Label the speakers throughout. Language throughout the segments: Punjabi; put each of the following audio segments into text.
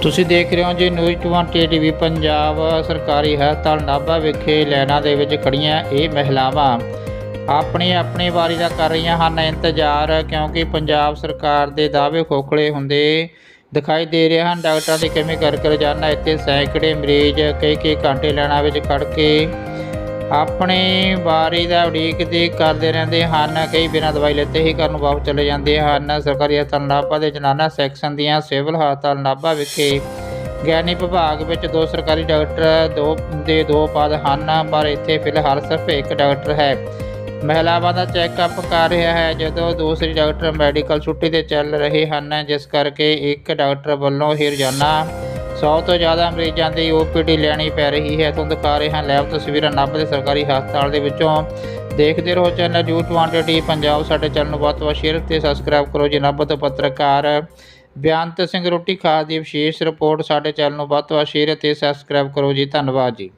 Speaker 1: ਤੁਸੀਂ ਦੇਖ ਰਹੇ ਹੋ ਜੀ ਨਿਊਜ਼ 20 ਟੀਵੀ ਪੰਜਾਬ। ਸਰਕਾਰੀ ਹਸਪਤਾਲ ਨਾਭਾ ਵਿਖੇ ਲਾਈਨਾਂ ਦੇ ਵਿੱਚ ਖੜੀਆਂ ਇਹ ਮਹਿਲਾਵਾਂ ਆਪਣੀ ਵਾਰੀ ਦਾ ਕਰ ਰਹੀਆਂ ਹਨ ਇੰਤਜ਼ਾਰ, ਕਿਉਂਕਿ ਪੰਜਾਬ ਸਰਕਾਰ ਦੇ ਦਾਅਵੇ ਖੋਖਲੇ ਹੁੰਦੇ ਦਿਖਾਈ ਦੇ ਰਹੇ ਹਨ। ਡਾਕਟਰਾਂ ਦੀ ਕਮੀ ਕਰਕੇ ਰੋਜ਼ਾਨਾ ਇੱਥੇ ਸੈਂਕੜੇ ਮਰੀਜ਼ ਕਈ ਘੰਟੇ ਲਾਈਨਾਂ ਵਿੱਚ ਖੜ੍ਹ ਕੇ ਆਪਣੀ ਵਾਰੀ ਦਾ ਉਡੀਕ ਕਰਦੇ ਰਹਿੰਦੇ ਹਨ। ਕਈ ਬਿਨਾਂ ਦਵਾਈ ਲਿੱਤੇ ਹੀ ਘਰ ਨੂੰ ਵਾਪਸ ਚਲੇ ਜਾਂਦੇ ਹਨ। ਸਰਕਾਰੀ ਹਸਪਤਾਲ ਨਾਭਾ ਦੇ ਜਨਾਨਾ ਸੈਕਸ਼ਨ ਦੀਆਂ ਸਿਵਲ ਹਸਪਤਾਲ ਨਾਭਾ ਵਿਖੇ ਗੈਨੀ ਵਿਭਾਗ ਵਿੱਚ 2 ਸਰਕਾਰੀ ਡਾਕਟਰ ਦੇ 2 ਪਦ ਹਨ, ਪਰ ਇੱਥੇ ਫਿਲਹਾਲ ਸਿਰਫ 1 ਡਾਕਟਰ ਹੈ। ਮਹਿਲਾਵਾਂ ਦਾ ਚੈੱਕਅਪ ਕਰ ਰਿਹਾ ਹੈ, ਜਦੋਂ ਦੂਸਰੀ ਡਾਕਟਰ ਮੈਡੀਕਲ ਛੁੱਟੀ 'ਤੇ ਚੱਲ ਰਹੇ ਹਨ, ਜਿਸ ਕਰਕੇ 1 ਡਾਕਟਰ ਵੱਲੋਂ ਹੀ ਰੋਜ਼ਾਨਾ 100 ਤੋਂ ਜ਼ਿਆਦਾ ਮਰੀਜ਼ਾਂ ਦੀ OPD ਲੈਣੀ ਪੈ ਰਹੀ ਹੈ। ਤੁਹਾਨੂੰ ਦਿਖਾ ਰਹੇ ਹਾਂ ਲਾਈਵ ਤਸਵੀਰਾਂ ਨਾਭਾ ਦੇ ਸਰਕਾਰੀ ਹਸਪਤਾਲ ਦੇ ਵਿੱਚੋਂ। ਦੇਖਦੇ ਰਹੋ ਚੈਨਲ ਨਿਊਜ਼ 20 ਟੀਵੀ ਪੰਜਾਬ। ਸਾਡੇ ਚੈਨਲ ਨੂੰ ਵੱਧ ਤੋਂ ਵੱਧ ਸ਼ੇਅਰ ਤੇ ਸਬਸਕ੍ਰਾਈਬ ਕਰੋ ਜੀ। ਨਾਭਾ ਤੋਂ ਪੱਤਰਕਾਰ ਬੇਅੰਤ ਸਿੰਘ ਰੋਟੀ ਖਾਸ ਦੀ ਵਿਸ਼ੇਸ਼ ਰਿਪੋਰਟ। ਸਾਡੇ ਚੈਨਲ ਨੂੰ ਵੱਧ ਤੋਂ ਵੱਧ ਸ਼ੇਅਰ ਤੇ ਸਬਸਕ੍ਰਾਈਬ ਕਰੋ ਜੀ। ਧੰਨਵਾਦ ਜੀ।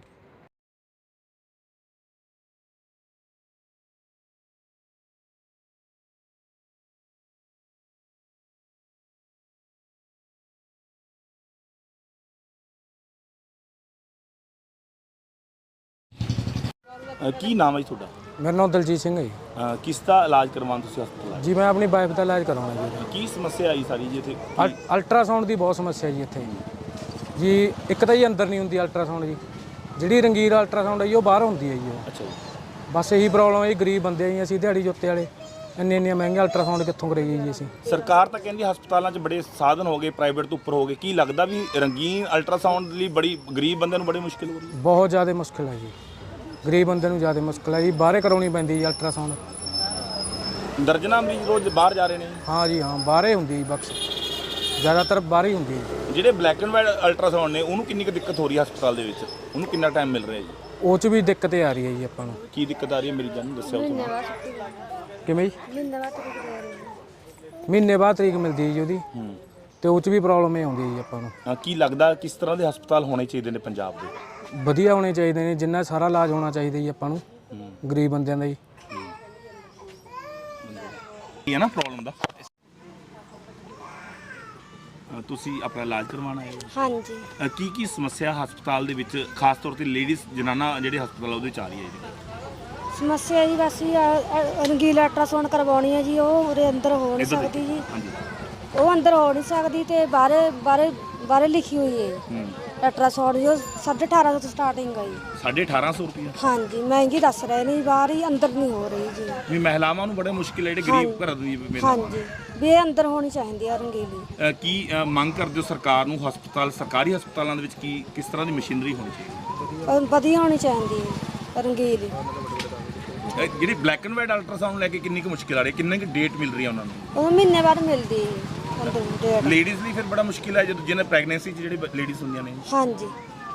Speaker 2: ਕੀ ਨਾਮ ਹੈ ਜੀ ਤੁਹਾਡਾ?
Speaker 3: ਮੇਰਾ ਨਾਮ ਦਲਜੀਤ ਸਿੰਘ ਹੈ ਜੀ।
Speaker 2: ਕਿਸ ਦਾ ਇਲਾਜ ਕਰਵਾਉਣ ਤੁਸੀਂ ਹਸਪਤਾਲ ਆਏ?
Speaker 3: ਜੀ ਮੈਂ ਆਪਣੀ ਵਾਈਫ ਦਾ ਇਲਾਜ ਕਰਾਉਣਾ ਜੀ।
Speaker 2: ਕੀ ਸਮੱਸਿਆ ਆਈ ਸਾਰੀ ਜੀ ਇੱਥੇ?
Speaker 3: ਅਲਟਰਾਸਾਊਂਡ ਦੀ ਬਹੁਤ ਸਮੱਸਿਆ ਜੀ ਇੱਥੇ ਜੀ। ਇੱਕ ਤਾਂ ਜੀ ਅੰਦਰ ਨਹੀਂ ਹੁੰਦੀ ਅਲਟਰਾਸਾਊਂਡ ਜੀ, ਜਿਹੜੀ ਰੰਗੀਰ ਅਲਟਰਾਸਾਊਂਡ ਹੈ ਜੀ ਉਹ ਬਾਹਰ ਹੁੰਦੀ ਹੈ ਜੀ।
Speaker 2: ਅੱਛਾ ਜੀ।
Speaker 3: ਬਸ ਇਹੀ ਪ੍ਰੋਬਲਮ ਹੈ ਜੀ, ਗਰੀਬ ਬੰਦੇ ਆ ਜੀ ਅਸੀਂ, ਦਿਹਾੜੀ ਜੁੱਤੇ ਵਾਲੇ, ਇੰਨੇ ਮਹਿੰਗੇ ਅਲਟਰਾਸਾਊਂਡ ਕਿੱਥੋਂ ਕਰਾਈਏ ਜੀ ਅਸੀਂ।
Speaker 2: ਸਰਕਾਰ ਤਾਂ ਕਹਿੰਦੀ ਹਸਪਤਾਲਾਂ 'ਚ ਬੜੇ ਸਾਧਨ ਹੋ ਗਏ, ਪ੍ਰਾਈਵੇਟ ਤੋਂ ਉੱਪਰ ਹੋ ਗਏ। ਕੀ ਲੱਗਦਾ ਵੀ ਰੰਗੀਨ ਅਲਟਰਾਸਾਊਂਡ ਲਈ ਬੜੀ ਗਰੀਬ ਬੰਦੇ ਨੂੰ ਬੜੀ ਮੁਸ਼ਕਿਲ ਹੋ ਰਹੀ ਹੈ?
Speaker 3: ਬਹੁਤ ਜ਼ਿਆਦਾ ਮੁਸ਼ਕਿਲ ਹੈ ਜੀ, ਗਰੀਬ ਬੰਦੇ ਨੂੰ ਜ਼ਿਆਦਾ ਮੁਸ਼ਕਿਲ ਹੈ ਜੀ। ਬਾਹਰੇ ਕਰਾਉਣੀ ਪੈਂਦੀ ਜੀ ਅਲਟਰਾਸਾਊਂਡ।
Speaker 2: ਦਰਜਨਾਂ ਮਰੀਜ਼ ਰੋਜ਼ ਬਾਹਰ ਜਾ ਰਹੇ ਨੇ?
Speaker 3: ਹਾਂ ਜੀ ਹਾਂ, ਬਾਹਰੇ ਹੁੰਦੀ ਜੀ, ਬਸ ਜ਼ਿਆਦਾਤਰ ਬਾਹਰ ਹੀ ਹੁੰਦੀ ਹੈ।
Speaker 2: ਜਿਹੜੇ ਬਲੈਕ ਐਂਡ ਵਾਈਟ ਅਲਟਰਾਸਾਊਂਡ ਨੇ ਉਹਨੂੰ ਕਿੰਨੀ ਕੁ ਦਿੱਕਤ ਹੋ ਰਹੀ ਹੈ ਹਸਪਤਾਲ ਦੇ ਵਿੱਚ? ਉਹਨੂੰ ਕਿੰਨਾ ਟਾਈਮ ਮਿਲ ਰਿਹਾ ਜੀ?
Speaker 3: ਉਹ 'ਚ ਵੀ ਦਿੱਕਤ ਆ ਰਹੀ ਹੈ ਜੀ ਆਪਾਂ ਨੂੰ।
Speaker 2: ਕੀ ਦਿੱਕਤ ਆ ਰਹੀ ਹੈ ਮਰੀਜ਼ਾਂ ਨੂੰ ਦੱਸਿਓ ਤੁਸੀਂ।
Speaker 3: ਕਿਵੇਂ ਜੀ? ਮਹੀਨੇ ਬਾਅਦ ਤਰੀਕ ਮਿਲਦੀ ਹੈ ਜੀ ਉਹਦੀ, ਤੇ ਉਹ 'ਚ ਵੀ ਪ੍ਰੋਬਲਮ ਇਹ ਆਉਂਦੀ ਹੈ ਜੀ ਆਪਾਂ ਨੂੰ।
Speaker 2: ਕੀ ਲੱਗਦਾ ਕਿਸ ਤਰ੍ਹਾਂ ਦੇ ਹਸਪਤਾਲ ਹੋਣੇ ਚਾਹੀਦੇ ਨੇ ਪੰਜਾਬ ਦੇ?
Speaker 3: ਵਧੀਆ ਹੋਣੇ ਚਾਹੀਦੇ ਨੇ, ਜਿੰਨਾ ਸਾਰਾ ਇਲਾਜ ਹੋਣਾ ਚਾਹੀਦਾ ਜੀ ਆਪਾਂ ਨੂੰ, ਗਰੀਬ ਬੰਦਿਆਂ ਦਾ ਜੀ।
Speaker 2: ਇਹ ਹੈ ਨਾ ਪ੍ਰੋਬਲਮ ਦਾ। ਤੁਸੀਂ ਆਪਣਾ ਇਲਾਜ ਕਰਵਾਉਣਾ ਹੈ?
Speaker 4: ਹਾਂਜੀ।
Speaker 2: ਕੀ ਸਮੱਸਿਆ ਹਸਪਤਾਲ ਦੇ ਵਿੱਚ ਖਾਸ ਤੌਰ ਤੇ ਲੇਡੀਜ਼ ਜਨਾਨਾ ਜਿਹੜੇ ਹਸਪਤਾਲ ਉਹਦੇ ਚ ਆ ਰਹੀ ਹੈ ਜੀ?
Speaker 4: ਸਮੱਸਿਆ ਜੀ ਬਸ ਰੰਗੀਲਾ ਅਲਟਰਾਸਾਊਂਡ ਕਰਵਾਉਣੀ ਹੈ ਜੀ, ਉਹ ਉਹਦੇ ਅੰਦਰ ਹੋ ਨਹੀਂ ਸਕਦੀ ਜੀ। ਉਹ ਅੰਦਰ ਹੋ ਨਹੀਂ ਸਕਦੀ ਤੇ ਬਾਹਰੇ ਲਿਖੀ ਹੋਈ ਹੈ ਅਲਟਰਾਸਾਊਂਡ ਜੋ 1850 ਤੋਂ ਸਟਾਰਟਿੰਗ ਹੈ ਜੀ।
Speaker 2: 1850 ਰੁਪਏ?
Speaker 4: ਹਾਂਜੀ, ਮਹਿੰਗੀ ਦੱਸ ਰਹੇ ਨੇ, ਬਾਹਰ ਹੀ, ਅੰਦਰ ਨਹੀਂ ਹੋ ਰਹੀ ਜੀ।
Speaker 2: ਵੀ ਮਹਿਲਾਵਾਂ ਨੂੰ ਬੜੇ ਮੁਸ਼ਕਿਲ ਹੈ, ਜਿਹੜੇ ਗਰੀਬ ਘਰਾਂ ਦੀ।
Speaker 4: ਹਾਂਜੀ, ਵੀ ਇਹ ਅੰਦਰ ਹੋਣੀ ਚਾਹੀਦੀ ਆ ਰੰਗੀਲੀ।
Speaker 2: ਕੀ ਮੰਗ ਕਰਦੇ ਹੋ ਸਰਕਾਰ ਨੂੰ? ਸਰਕਾਰੀ ਹਸਪਤਾਲਾਂ ਦੇ ਵਿੱਚ ਕਿਸ ਤਰ੍ਹਾਂ ਦੀ ਮਸ਼ੀਨਰੀ ਹੋਣੀ ਚਾਹੀਦੀ?
Speaker 4: ਵਧੀਆ ਹੋਣੀ ਚਾਹੀਦੀ ਹੈ ਰੰਗੀਲੀ।
Speaker 2: ਜਿਹੜੀ ਬਲੈਕ ਐਂਡ ਵਾਈਟ ਅਲਟਰਾਸਾਊਂਡ ਲੈ ਕੇ ਕਿੰਨੀ ਕੁ ਮੁਸ਼ਕਿਲ ਆ ਰਹੀ ਹੈ? ਕਿੰਨੀ ਕੁ ਡੇਟ ਮਿਲ ਰਹੀ ਹੈ ਉਹਨਾਂ ਨੂੰ?
Speaker 4: ਉਹ ਮਹੀਨੇ ਬਾਅਦ ਮਿਲਦੀ ਹੈ ਡੇਟ।
Speaker 2: ਲੇਡੀਜ਼ ਲਈ ਫਿਰ ਬੜਾ ਮੁਸ਼ਕਿਲ ਹੈ ਜਦੋਂ ਜਿਹਨੇ ਪ੍ਰੈਗਨੈਂਸੀ 'ਚ ਜਿਹੜੇ ਲੇਡੀਜ਼ ਹੁੰਦੀਆਂ ਨੇ।
Speaker 4: ਹਾਂਜੀ।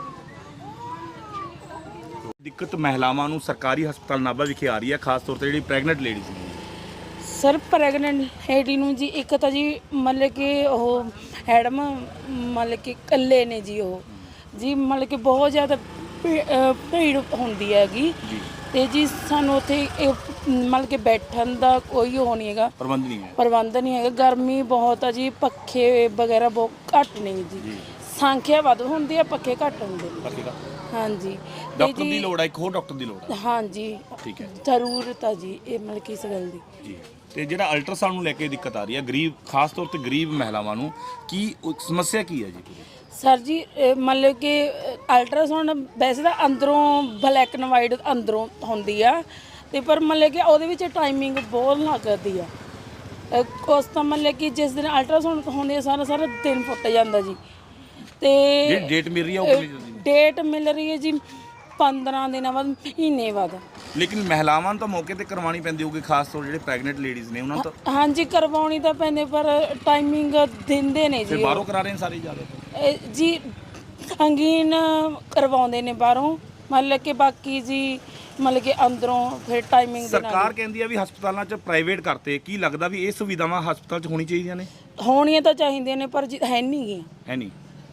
Speaker 2: ਦਿੱਕਤ ਮਹਿਲਾਵਾਂ ਨੂੰ ਸਰਕਾਰੀ ਹਸਪਤਾਲ ਨਾਭਾ ਵਿਖੇ ਆ ਰਹੀ ਹੈ, ਖਾਸ ਤੌਰ ਤੇ ਜਿਹੜੀ ਪ੍ਰੈਗਨੈਂਟ ਲੇਡੀਜ਼ ਨੇ।
Speaker 5: ਸਰ ਪ੍ਰੈਗਨੈਂਟ ਲੇਡੀ ਨੂੰ ਜੀ ਇੱਕ ਤਾਂ ਜੀ ਮਤਲਬ ਕਿ ਉਹ ਹੈਡਮ ਮਤਲਬ ਕਿ ਇਕੱਲੇ ਨੇ ਜੀ, ਉਹ ਜੀ ਮਤਲਬ ਕਿ ਬਹੁਤ ਜ਼ਿਆਦਾ ਭੀੜ ਹੁੰਦੀ ਹੈਗੀ ਤੇ ਜੀ ਸਾਨੂੰ ਉੱਥੇ ਮਤਲਬ ਕਿ ਬੈਠਣ ਦਾ ਕੋਈ ਉਹ ਨਹੀਂ ਹੈਗਾ, ਪ੍ਰਬੰਧ ਨਹੀਂ ਹੈਗਾ। ਗਰਮੀ ਬਹੁਤ ਆ ਜੀ, ਪੱਖੇ ਵਗੈਰਾ ਬਹੁਤ ਘੱਟ ਨੇ ਜੀ। ਸੰਖਿਆ ਵੱਧ ਹੁੰਦੀ ਹੈ, ਪੱਖੇ ਘੱਟ ਹੁੰਦੇ ਨੇ। ਹਾਂਜੀ।
Speaker 2: ਡਾਕਟਰ ਦੀ ਲੋੜ ਹੈ, ਇੱਕ ਹੋਰ ਡਾਕਟਰ ਦੀ ਲੋੜ ਹੈ।
Speaker 5: ਹਾਂਜੀ, ਠੀਕ ਹੈ, ਜ਼ਰੂਰਤ ਆ ਜੀ ਇਹ ਮਤਲਬ ਕਿ ਇਸ ਗੱਲ ਦੀ ਜੀ।
Speaker 2: ਤੇ ਜਿਹੜਾ ਅਲਟਰਾਸਾਊਂਡ ਨੂੰ ਲੈ ਕੇ ਦਿੱਕਤ ਆ ਰਹੀ ਹੈ ਗਰੀਬ, ਖਾਸ ਤੌਰ ਤੇ ਗਰੀਬ ਮਹਿਲਾਵਾਂ ਨੂੰ, ਕੀ ਸਮੱਸਿਆ ਕੀ ਹੈ ਜੀ?
Speaker 5: ਸਰ ਜੀ ਮਤਲਬ ਕਿ ਅਲਟਰਾਸਾਊਂਡ ਵੈਸੇ ਤਾਂ ਅੰਦਰੋਂ ਬਲੈਕ ਐਂਡ ਵਾਈਟ ਅੰਦਰੋਂ ਹੁੰਦੀ ਆ, ਤੇ ਪਰ ਮਤਲਬ ਕਿ ਉਹਦੇ ਵਿੱਚ ਟਾਈਮਿੰਗ ਬਹੁਤ ਲੱਗਦੀ ਆ। ਉਸ ਤਾਂ ਮਤਲਬ ਕਿ ਜਿਸ ਦਿਨ ਅਲਟਰਾਸਾਊਂਡ ਹੁੰਦੀ ਆ ਸਾਰਾ ਦਿਨ ਫੁੱਟ ਜਾਂਦਾ ਜੀ। ਤੇ
Speaker 2: ਡੇਟ ਮਿਲ ਰਹੀ ਹੈ ਉਹ ਕਿੰਨੀ ਜਲਦੀ?
Speaker 5: ਡੇਟ ਮਿਲ ਰਹੀ ਹੈ ਜੀ 15 ਦਿਨਾਂ ਬਾਅਦ, ਮਹੀਨੇ ਬਾਅਦ।
Speaker 2: ਲੇਕਿਨ ਮਹਿਲਾਵਾਂ ਨੂੰ ਤਾਂ ਮੌਕੇ ਤੇ ਕਰਵਾਉਣੀ ਪੈਂਦੀ ਹੋਊਗੀ, ਖਾਸ ਤੌਰ ਜਿਹੜੇ ਪ੍ਰੈਗਨੈਂਟ ਲੇਡੀਜ਼ ਨੇ ਉਹਨਾਂ ਨੂੰ ਤਾਂ।
Speaker 5: ਹਾਂਜੀ, ਕਰਵਾਉਣੀ ਤਾਂ ਪੈਂਦੀ, ਪਰ ਟਾਈਮਿੰਗ ਦਿੰਦੇ ਨੇ ਜੀ।
Speaker 2: ਬਾਹਰੋਂ ਕਰਾ ਰਹੇ ਨੇ ਸਾਰੇ ਜ਼ਿਆਦਾ
Speaker 5: ਜੀ, ਅੰਗੀਨ ਕਰਵਾਉਂਦੇ ਨੇ ਬਾਹਰੋਂ, ਮਤਲਬ ਕਿ ਬਾਕੀ ਜੀ ਮਤਲਬ ਕਿ ਅੰਦਰੋਂ ਫਿਰ ਟਾਈਮਿੰਗ ਦੇ ਨਾਲ।
Speaker 2: ਸਰਕਾਰ ਕਹਿੰਦੀ ਆ ਵੀ ਹਸਪਤਾਲਾਂ 'ਚ ਪ੍ਰਾਈਵੇਟ ਕਰਤੇ, ਕੀ ਲੱਗਦਾ ਵੀ ਇਹ ਸੁਵਿਧਾਵਾਂ ਹਸਪਤਾਲ 'ਚ ਹੋਣੀ ਚਾਹੀਦੀਆਂ ਨੇ?
Speaker 5: ਹੋਣੀਆਂ ਤਾਂ ਚਾਹੀਦੀਆਂ ਨੇ, ਪਰ ਹੈ ਨਹੀਂ ਗੀਆਂ।
Speaker 2: ਹੈ ਨਹੀਂ।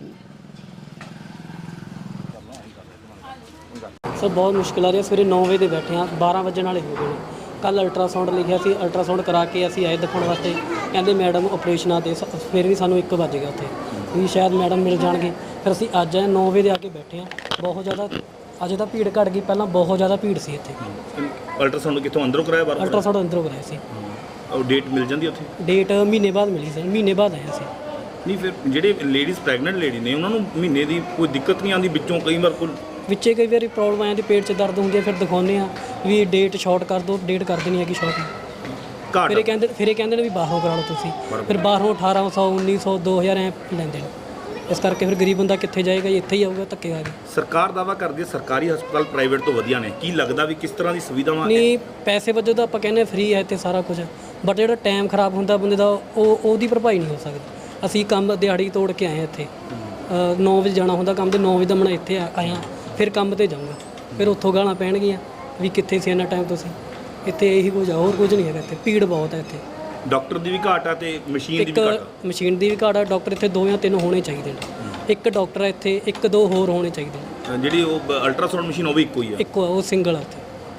Speaker 6: ਸਰ ਬਹੁਤ ਮੁਸ਼ਕਿਲ ਆ ਰਹੀ ਹੈ। ਸਵੇਰੇ 9 ਵਜੇ ਦੇ ਬੈਠੇ ਹਾਂ, 12 ਵਜਣ ਵਾਲੇ ਹੋ ਗਏ ਨੇ। ਕੱਲ ਅਲਟਰਾਸਾਊਂਡ ਲਿਖਿਆ ਸੀ, ਅਲਟਰਾਸਾਊਂਡ ਕਰਾ ਕੇ ਅਸੀਂ ਆਏ ਦਿਖਾਉਣ ਵਾਸਤੇ, ਕਹਿੰਦੇ ਮੈਡਮ ਆਪਰੇਸ਼ਨ ਆ, ਤੇ ਫਿਰ ਵੀ ਸਾਨੂੰ 1 ਵੱਜ ਗਿਆ ਉੱਥੇ। ਵੀ ਸ਼ਾਇਦ ਮੈਡਮ ਮਿਲ ਜਾਣਗੇ। ਫਿਰ ਅਸੀਂ ਅੱਜ ਆਏ 9 ਵਜੇ ਦੇ ਆ ਕੇ ਬੈਠੇ ਹਾਂ। ਬਹੁਤ ਜ਼ਿਆਦਾ ਅੱਜ ਤਾਂ ਭੀੜ ਘਟ ਗਈ, ਪਹਿਲਾਂ ਬਹੁਤ ਜ਼ਿਆਦਾ ਭੀੜ ਸੀ ਇੱਥੇ।
Speaker 2: ਅਲਟਰਾਸਾਊਂਡ ਕਿੱਥੋਂ ਅੰਦਰੋਂ ਕਰਾਇਆ ਬਾਹਰੋਂ?
Speaker 6: ਅਲਟਰਾਸਾਊਂਡ ਅੰਦਰੋਂ ਕਰਾਇਆ ਸੀ।
Speaker 2: ਉਹ ਡੇਟ ਮਿਲ ਜਾਂਦੀ ਉੱਥੇ?
Speaker 6: ਡੇਟ ਮਹੀਨੇ ਬਾਅਦ ਮਿਲੀ ਸੀ, ਮਹੀਨੇ ਬਾਅਦ ਆਏ ਸੀ।
Speaker 2: ਨਹੀਂ ਫਿਰ ਜਿਹੜੇ ਲੇਡੀਜ਼ ਪ੍ਰੈਗਨੈਂਟ ਲੇਡੀ ਨੇ ਉਹਨਾਂ ਨੂੰ ਮਹੀਨੇ ਦੀ ਕੋਈ ਦਿੱਕਤ ਨਹੀਂ ਆਉਂਦੀ ਵਿੱਚੋਂ? ਕਈ ਵਾਰ ਕੋਈ
Speaker 6: ਵਿੱਚੇ ਕਈ ਵਾਰੀ ਪ੍ਰੋਬਲਮ ਆ ਜਾਂਦੀ, ਪੇਟ 'ਚ ਦਰਦ ਹੁੰਦੀ ਹੈ, ਫਿਰ ਦਿਖਾਉਂਦੇ ਆ ਵੀ ਡੇਟ ਸ਼ਾਰਟ ਕਰ ਦਿਓ, ਡੇਟ ਕਰ ਦੇਣੀ ਹੈਗੀ ਸ਼ਾਰਟ।
Speaker 2: ਘਾਟ
Speaker 6: ਫਿਰ ਇਹ ਕਹਿੰਦੇ ਨੇ ਵੀ ਬਾਹਰੋਂ ਕਰਾ ਲਓ ਤੁਸੀਂ, ਫਿਰ ਬਾਹਰੋਂ 1800 1900 2000 ਐ ਲੈਂਦੇ ਨੇ। ਇਸ ਕਰਕੇ ਫਿਰ ਗਰੀਬ ਬੰਦਾ ਕਿੱਥੇ ਜਾਏਗਾ ਜੀ, ਇੱਥੇ ਹੀ ਆਊਗਾ ਧੱਕੇ ਖਾ ਕੇ।
Speaker 2: ਸਰਕਾਰ ਦਾਅਵਾ ਕਰਦੀ ਹੈ ਸਰਕਾਰੀ ਹਸਪਤਾਲ ਪ੍ਰਾਈਵੇਟ ਤੋਂ ਵਧੀਆ ਨੇ, ਕੀ ਲੱਗਦਾ ਵੀ ਕਿਸ ਤਰ੍ਹਾਂ ਦੀ ਸੁਵਿਧਾਵਾਂ?
Speaker 6: ਨਹੀਂ, ਪੈਸੇ ਵਜੋਂ ਤਾਂ ਆਪਾਂ ਕਹਿੰਦੇ ਫ੍ਰੀ ਹੈ ਇੱਥੇ ਸਾਰਾ ਕੁਝ, ਬਟ ਜਿਹੜਾ ਟਾਈਮ ਖਰਾਬ ਹੁੰਦਾ ਬੰਦੇ ਦਾ ਉਹਦੀ ਭਰਪਾਈ ਨਹੀਂ ਹੋ ਸਕਦੀ। ਅਸੀਂ ਕੰਮ ਦਿਹਾੜੀ ਤੋੜ ਕੇ ਆਏ ਇੱਥੇ, 9 ਵਜੇ ਜਾਣਾ ਹੁੰਦਾ ਕੰਮ ਤੇ, 9 ਵਜੇ ਦਾ ਮੈਂ ਇੱਥੇ ਆਇਆ, ਫਿਰ ਕੰਮ ਤੇ ਜਾਊਂਗਾ, ਫਿਰ ਉੱਥੋਂ ਗਾਲਾਂ ਪੈਣਗੀਆਂ ਵੀ ਕਿੱਥੇ ਸੀ ਇੰਨਾ ਟਾਈਮ ਤੁਸੀਂ। ਇੱਥੇ ਇਹੀ ਕੁਝ ਆ, ਹੋਰ ਕੁਝ ਨਹੀਂ ਹੈਗਾ ਇੱਥੇ। ਭੀੜ ਬਹੁਤ ਹੈ ਇੱਥੇ।
Speaker 2: ਡਾਕਟਰ ਦੀ ਵੀ ਘਾਟ ਆ ਤੇ ਮਸ਼ੀਨ ਦੀ ਵੀ ਘਾਟ ਆ।
Speaker 6: ਮਸ਼ੀਨ ਦੀ ਵੀ ਘਾਟ ਆ। ਡਾਕਟਰ ਇੱਥੇ 2 ਜਾਂ 3 ਹੋਣੇ ਚਾਹੀਦੇ ਨੇ। ਇੱਕ ਡਾਕਟਰ ਹੈ ਇੱਥੇ, 1-2 ਹੋਰ ਹੋਣੇ ਚਾਹੀਦੇ ਨੇ।
Speaker 2: ਜਿਹੜੀ ਉਹ ਅਲਟਰਾਸਾਊਂਡ ਮਸ਼ੀਨ ਉਹ ਵੀ ਇੱਕੋ ਹੀ ਆ?
Speaker 6: ਇੱਕੋ ਆ, ਉਹ ਸਿੰਗਲ ਆ ਉੱਥੇ।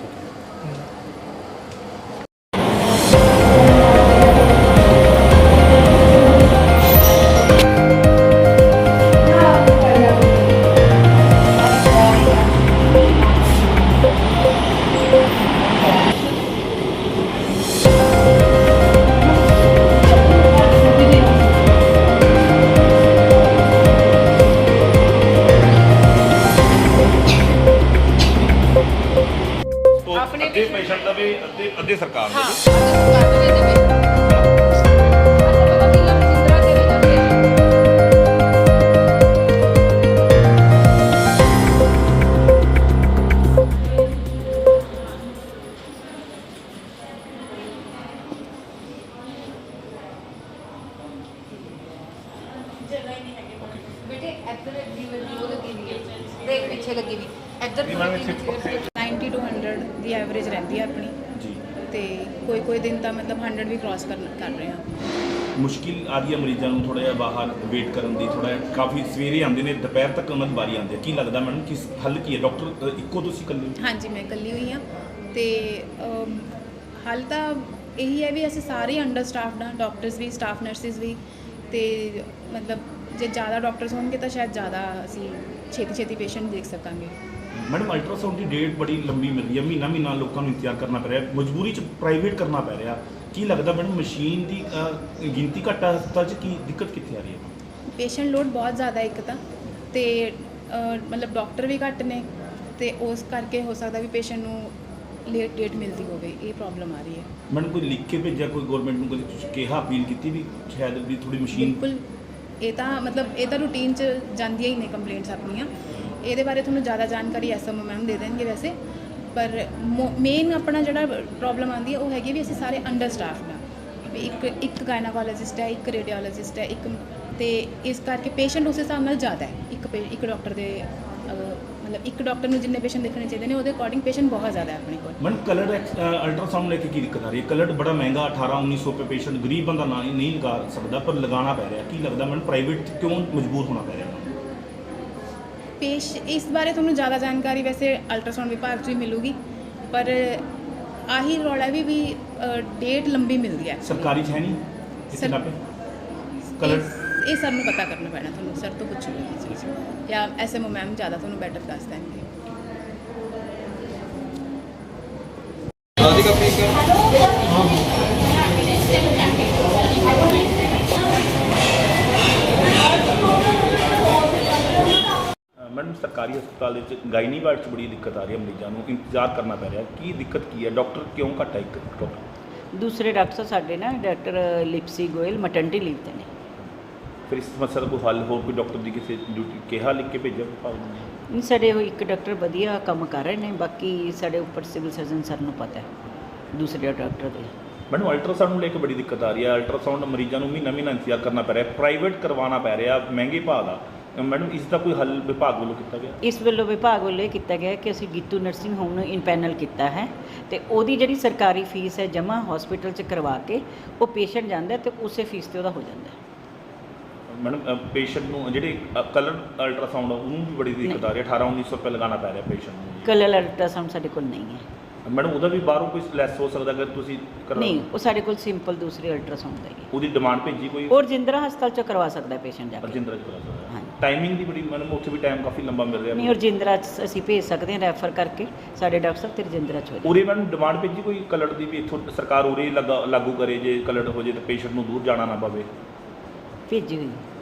Speaker 2: ਅੱਧੇ ਪੇਸ਼ੈਂਟ ਦਾ ਵੀ ਅੱਧੇ ਸਰਕਾਰ ਦਾ ਵੀ।
Speaker 7: बेटे इधर वो लगी हुई है, देख पीछे लगी हुई इधर 90 to 100 ਦੀ ਐਵਰੇਜ ਰਹਿੰਦੀ ਹੈ ਆਪਣੀ
Speaker 2: ਜੀ।
Speaker 7: ਤੇ ਕੋਈ ਦਿਨ ਤਾਂ ਮਤਲਬ 100 ਵੀ ਕ੍ਰਾਸ ਕਰ ਰਹੇ ਹਾਂ।
Speaker 2: ਮੁਸ਼ਕਿਲ ਆ ਰਹੀ ਹੈ ਮਰੀਜ਼ਾਂ ਨੂੰ ਥੋੜਾ ਜਿਹਾ ਬਾਹਰ ਵੇਟ ਕਰਨ ਦੀ, ਥੋੜਾ ਜਿਹਾ ਕਾਫੀ ਸਵੇਰੇ ਆਉਂਦੇ ਨੇ, ਦੁਪਹਿਰ ਤੱਕ ਉਹਨਾਂ ਦੀ ਵਾਰੀ ਆਉਂਦੀ ਹੈ। ਕੀ ਲੱਗਦਾ ਮੈਡਮ ਕਿਸ ਹੱਲ ਕੀ ਹੈ? ਡਾਕਟਰ ਇੱਕੋ ਤੁਸੀਂ ਇਕੱਲੇ?
Speaker 7: ਹਾਂਜੀ, ਮੈਂ ਇਕੱਲੀ ਹੋਈ ਹਾਂ ਤੇ ਹੱਲ ਤਾਂ ਇਹੀ ਹੈ ਵੀ ਅਸੀਂ ਸਾਰੇ ਅੰਡਰ ਸਟਾਫਡ ਹਾਂ, ਡਾਕਟਰਸ ਵੀ, ਸਟਾਫ ਨਰਸਿਸ ਵੀ। ਤੇ ਮਤਲਬ ਜੇ ਜ਼ਿਆਦਾ ਡਾਕਟਰਸ ਹੋਣਗੇ ਤਾਂ ਸ਼ਾਇਦ ਜ਼ਿਆਦਾ ਅਸੀਂ ਛੇਤੀ ਪੇਸ਼ੈਂਟ ਦੇਖ ਸਕਾਂਗੇ।
Speaker 2: ਮੈਡਮ ਅਲਟਰਾਸਾਊਂਡ ਦੀ ਡੇਟ ਬੜੀ ਲੰਬੀ ਮਿਲਦੀ ਹੈ, ਮਹੀਨਾ ਲੋਕਾਂ ਨੂੰ ਇੰਤਜ਼ਾਰ ਕਰਨਾ ਪੈ ਰਿਹਾ, ਮਜਬੂਰੀ 'ਚ ਪ੍ਰਾਈਵੇਟ ਕਰਨਾ ਪੈ ਰਿਹਾ। ਕੀ ਲੱਗਦਾ ਮੈਡਮ ਮਸ਼ੀਨ ਦੀ ਗਿਣਤੀ ਘੱਟ ਆ ਹਸਪਤਾਲ 'ਚ, ਕੀ ਦਿੱਕਤ ਕਿੱਥੇ ਆ ਰਹੀ ਹੈ?
Speaker 7: ਪੇਸ਼ੈਂਟ ਲੋਡ ਬਹੁਤ ਜ਼ਿਆਦਾ ਇੱਕ ਤਾਂ, ਤੇ ਮਤਲਬ ਡਾਕਟਰ ਵੀ ਘੱਟ ਨੇ, ਤੇ ਉਸ ਕਰਕੇ ਹੋ ਸਕਦਾ ਵੀ ਪੇਸ਼ੈਂਟ ਨੂੰ ਲੇਟ ਡੇਟ ਮਿਲਦੀ ਹੋਵੇ, ਇਹ ਪ੍ਰੋਬਲਮ ਆ ਰਹੀ ਹੈ।
Speaker 2: ਮੈਡਮ ਕੋਈ ਲਿਖ ਕੇ ਭੇਜਿਆ ਕੋਈ ਗਵਰਨਮੈਂਟ ਨੂੰ, ਕੋਈ ਕਿਹਾ ਅਪੀਲ ਕੀਤੀ ਵੀ ਸ਼ਾਇਦ ਵੀ ਥੋੜੀ ਮਸ਼ੀਨ?
Speaker 7: ਬਿਲਕੁਲ, ਇਹ ਤਾਂ ਰੂਟੀਨ 'ਚ ਜਾਂਦੀਆਂ ਹੀ ਨੇ ਕੰਪਲੇਂਟਸ ਆਪਣੀਆਂ। ਇਹਦੇ ਬਾਰੇ ਤੁਹਾਨੂੰ ਜ਼ਿਆਦਾ ਜਾਣਕਾਰੀ ਐਸਐਮਓ ਮੈਮ ਦੇ ਦੇਣਗੇ ਵੈਸੇ, ਪਰ ਮੇਨ ਆਪਣਾ ਜਿਹੜਾ ਪ੍ਰੋਬਲਮ ਆਉਂਦੀ ਹੈ ਉਹ ਹੈਗੀ ਵੀ ਅਸੀਂ ਸਾਰੇ ਅੰਡਰ ਸਟਾਫਡ ਹਾਂ ਵੀ ਇੱਕ ਗਾਇਨਾਕੋਲੋਜਿਸਟ ਹੈ, ਇੱਕ ਰੇਡੀਓਲੋਜਿਸਟ ਹੈ, ਇੱਕ, ਤੇ ਇਸ ਕਰਕੇ ਪੇਸ਼ੈਂਟ ਉਸ ਹਿਸਾਬ ਨਾਲ ਜ਼ਿਆਦਾ ਹੈ। ਇੱਕ ਡਾਕਟਰ ਦੇ ਮਤਲਬ ਇੱਕ ਡਾਕਟਰ ਨੂੰ ਜਿੰਨੇ ਪੇਸ਼ੈਂਟ ਦੇਖਣੇ ਚਾਹੀਦੇ ਨੇ ਉਹਦੇ ਅਕੋਰਡਿੰਗ ਪੇਸ਼ੈਂਟ ਬਹੁਤ ਜ਼ਿਆਦਾ ਹੈ ਆਪਣੇ ਕੋਲ।
Speaker 2: ਮੈਡਮ ਕਲਰ ਅਲਟਰਾਸਾਊਂਡ ਲੈ ਕੇ ਕੀ ਦਿੱਕਤ ਆ ਰਹੀ ਹੈ? ਕਲਰ ਬੜਾ ਮਹਿੰਗਾ 1800-1900 ਰੁਪਏ ਪੇਸ਼ੈਂਟ ਗਰੀਬ ਬੰਦਾ ਨਹੀਂ ਲਗਾ ਸਕਦਾ, ਪਰ ਲਗਾਉਣਾ ਪੈ ਰਿਹਾ। ਕੀ ਲੱਗਦਾ ਮੈਡਮ ਪ੍ਰਾਈਵੇਟ ਕਿਉਂ ਮਜਬੂਰ ਹੋਣਾ ਪੈ ਰਿਹਾ?
Speaker 7: ਇਸ ਬਾਰੇ ਤੁਹਾਨੂੰ ਜ਼ਿਆਦਾ ਜਾਣਕਾਰੀ ਵੈਸੇ ਅਲਟਰਾਸਾਊਂਡ ਵਿਭਾਗ 'ਚ ਵੀ ਮਿਲੂਗੀ, ਪਰ ਆਹੀ ਰੌਲਾ ਵੀ ਡੇਟ ਲੰਬੀ ਮਿਲਦੀ ਹੈ।
Speaker 2: ਸਰਕਾਰੀ 'ਚ ਹੈ ਨਹੀਂ
Speaker 7: ਸਰ,
Speaker 2: ਕਲਰ
Speaker 7: ਇਹ ਸਰ ਨੂੰ ਪਤਾ ਕਰਨਾ ਪੈਣਾ, ਤੁਹਾਨੂੰ ਸਰ ਤੋਂ ਪੁੱਛੂਗੀ ਇਹ ਚੀਜ਼, ਜਾਂ ਐਸਐਮਓ ਮੈਮ ਜ਼ਿਆਦਾ ਤੁਹਾਨੂੰ ਬੈਟਰ ਦੱਸ ਦੇਣਗੇ।
Speaker 2: ਮੈਡਮ ਸਰਕਾਰੀ ਹਸਪਤਾਲ ਦੇ ਵਿੱਚ ਗਾਇਨੀ ਵਾਰਡ 'ਚ ਬੜੀ ਦਿੱਕਤ ਆ ਰਹੀ ਹੈ, ਮਰੀਜ਼ਾਂ ਨੂੰ ਇੰਤਜ਼ਾਰ ਕਰਨਾ ਪੈ ਰਿਹਾ। ਕੀ ਦਿੱਕਤ ਕੀ ਹੈ? ਡਾਕਟਰ ਕਿਉਂ ਘੱਟ ਹੈ? ਇੱਕ ਡਾਕਟਰ
Speaker 8: ਦੂਸਰੇ ਡਾਕਟਰ ਸਾਡੇ ਨਾ doctor Lipsy Goyal maternity leave ਤੇ ਨੇ।
Speaker 2: ਫਿਰ ਇਸ ਸਮੱਸਿਆ ਦਾ ਕੋਈ ਹੱਲ, ਹੋਰ ਕੋਈ ਡਾਕਟਰ ਦੀ ਕਿਸੇ ਡਿਊਟੀ ਕਿਹਾ ਲਿਖ ਕੇ ਭੇਜਿਆ ਵਿਭਾਗ ਨੂੰ?
Speaker 8: ਨਹੀਂ, ਸਾਡੇ ਉਹ ਇੱਕ ਡਾਕਟਰ ਵਧੀਆ ਕੰਮ ਕਰ ਰਹੇ ਨੇ, ਬਾਕੀ ਸਾਡੇ ਉੱਪਰ ਸਿਵਲ ਸਰਜਨ ਸਰ ਨੂੰ ਪਤਾ ਹੈ ਦੂਸਰੇ ਡਾਕਟਰ ਦੇ।
Speaker 2: ਮੈਨੂੰ ਅਲਟਰਾਸਾਊਂਡ ਨੂੰ ਲੈ ਕੇ ਬੜੀ ਦਿੱਕਤ ਆ ਰਹੀ ਹੈ। ਅਲਟਰਾਸਾਊਂਡ ਮਰੀਜ਼ਾਂ ਨੂੰ ਮਹੀਨਾ ਇੰਤਜ਼ਾਰ ਕਰਨਾ ਪੈ ਰਿਹਾ, ਪ੍ਰਾਈਵੇਟ ਕਰਵਾਉਣਾ ਪੈ ਰਿਹਾ, ਮਹਿੰਗੇ ਭਾਅ ਦਾ। ਮੈਡਮ ਇਸ ਦਾ ਕੋਈ ਹੱਲ ਵਿਭਾਗ ਵੱਲੋਂ ਕੀਤਾ ਗਿਆ?
Speaker 8: ਇਸ ਵੱਲੋਂ ਵਿਭਾਗ ਵੱਲੋਂ ਇਹ ਕੀਤਾ ਗਿਆ ਕਿ ਅਸੀਂ ਗੀਤੂ ਨਰਸਿੰਗ ਹੋਮ ਨੂੰ ਇਨਪੈਨਲ ਕੀਤਾ ਹੈ, ਤੇ ਉਹਦੀ ਜਿਹੜੀ ਸਰਕਾਰੀ ਫੀਸ ਹੈ ਜਮ੍ਹਾਂ ਹਸਪੀਟਲ 'ਚ ਕਰਵਾ ਕੇ ਉਹ ਪੇਸ਼ੈਂਟ ਜਾਂਦਾ ਤੇ ਉਸੇ ਫੀਸ 'ਤੇ ਉਹਦਾ ਹੋ ਜਾਂਦਾ।
Speaker 2: ਮੈਡਮ ਪੇਸ਼ੈਂਟ ਨੂੰ ਜਿਹੜੇ ਕਲਰ ਅਲਟਰਾਸਾਊਂਡ ਉਹਨੂੰ ਵੀ ਬੜੀ ਦਿੱਕਤ ਆ ਰਹੀ ਹੈ, 1800-1900 ਰੁਪਏ ਲਗਾਉਣਾ ਪੈ ਰਿਹਾ ਪੇਸ਼ੈਂਟ ਨੂੰ।
Speaker 8: ਕਲਰ ਅਲਟਰਾਸਾਊਂਡ ਸਾਡੇ ਕੋਲ ਨਹੀਂ ਹੈ।
Speaker 2: ਮੈਡਮ ਉਹਦਾ ਵੀ ਬਾਹਰੋਂ ਕੋਈ ਲੈਸ ਹੋ ਸਕਦਾ ਅਗਰ ਤੁਸੀਂ
Speaker 8: ਨਹੀਂ, ਉਹ ਸਾਡੇ ਕੋਲ ਸਿੰਪਲ ਦੂਸਰੇ ਅਲਟਰਾਸਾਊਂਡ ਦਾ ਹੀ ਹੈ।
Speaker 2: ਉਹਦੀ ਡਿਮਾਂਡ ਭੇਜੀ ਕੋਈ
Speaker 8: ਉਹ ਰਜਿੰਦਰਾ ਹਸਪਤਾਲ ਚ ਕਰਵਾ ਸਕਦਾ ਪੇਸ਼ੈਂਟ ਜਾ ਕੇ।
Speaker 2: ਰਜਿੰਦਰਾ ਚ ਕਰਾ ਸਕਦਾ।
Speaker 8: ਹਾਂਜੀ।
Speaker 2: ਟਾਈਮਿੰਗ ਦੀ ਬੜੀ ਮੈਡਮ ਉੱਥੇ ਵੀ ਟਾਈਮ ਕਾਫੀ ਲੰਬਾ ਮਿਲ ਰਿਹਾ।
Speaker 8: ਨਹੀਂ, ਰਜਿੰਦਰਾ ਚ ਅਸੀਂ ਭੇਜ ਸਕਦੇ ਹਾਂ ਰੈਫਰ ਕਰਕੇ, ਸਾਡੇ ਡਾਕਟਰ ਸਾਹਿਬ ਤੇ ਰਜਿੰਦਰਾ ਚ ਹੋ ਜਾਏ।
Speaker 2: ਉਰੇ ਮੈਡਮ ਡਿਮਾਂਡ ਭੇਜੀ ਕੋਈ ਕਲਰ ਦੀ ਵੀ ਇੱਥੋਂ ਸਰਕਾਰ ਉਰੇ ਲਾਗੂ ਕਰੇ, ਜੇ ਕਲਰ ਹੋ ਜੇ ਤਾਂ ਪੇਸ਼ੈਂਟ ਨੂੰ ਦੂਰ ਜਾਣਾ ਨਾ ਪਵੇ।
Speaker 8: ਭੇਜੀ ਹੋਈ